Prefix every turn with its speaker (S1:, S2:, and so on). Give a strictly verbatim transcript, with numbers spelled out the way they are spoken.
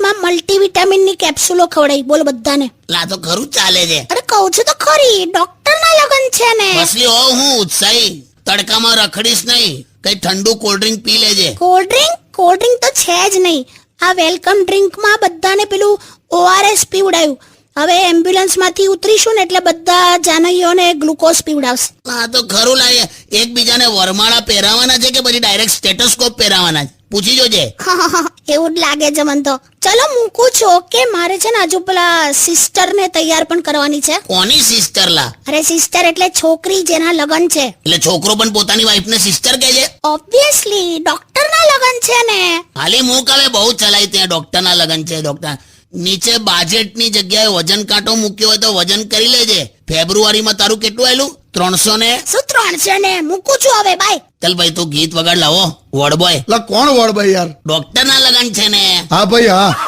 S1: માં મલ્ટીવિટામિન ની કેપ્સ્યુલો ખવડાવી, બોલ બધાને.
S2: લા તો ખરું ચાલે છે.
S1: અરે કહું છું તો ખરી, ડોક્ટર ના લગન છે ને.
S2: મસલી હો હું ઉત્સાહી, તડકામાં રખડીશ નહીં, કઈ ઠંડુ કોલ્ડ ડ્રિંક પી લેજે.
S1: કોલ્ડ ડ્રિંક કોલ્ડ ડ્રિંક તો છે જ નહીં. આ વેલકમ ડ્રિંક માં બધાને પેલું ઓઆરએસ પીવડાયું. હવે એમ્બ્યુલન્સ માંથી ઉતરીશું ને એટલે બધા જાનવીઓને ગ્લુકોઝ પીવડાવશે.
S2: હા તો ખરું લાગે. એકબીજાને વરમાળા પહેરાવાના છે કે પછી ડાયરેક્ટ સ્ટેટોસ્કોપ પહેરાવાના છે? પૂછી જોજે.
S1: એવું જ લાગે છે મને તો. ચલો મૂકું છું. ઓકે, મારે છે ને હજુ પેલા સિસ્ટર ને તૈયાર પણ કરવાની છે.
S2: કોની સિસ્ટર લા?
S1: અરે સિસ્ટર એટલે છોકરી જેના લગન છે.
S2: એટલે છોકરો પણ પોતાની વાઈફ ને સિસ્ટર કહે છે?
S1: ઓબ્વિયસલી, ડોક્ટર ના લગન છે ને.
S2: હાલી મૂક હવે, બહુ ચલાઈ ત્યાં ડોક્ટર ના લગન છે. ડોક્ટર નીચે બાજેટની જગ્યાએ વજન કાંટો મૂક્યો હોય તો વજન કરી લેજે. ફેબ્રુઆરીમાં તારું કેટલું આવેલું? ત્રણસો ને
S1: શું ત્રણસો ને? મૂકું છું હવે, બાય.
S2: ચાલ ભાઈ તું ગીત વગાડ લાવો. Ward boy.
S3: લા કોણ વોર્ડ ભાઈ યાર?
S2: ડોક્ટર ના લગન છે ને.
S3: હા ભાઈ હા.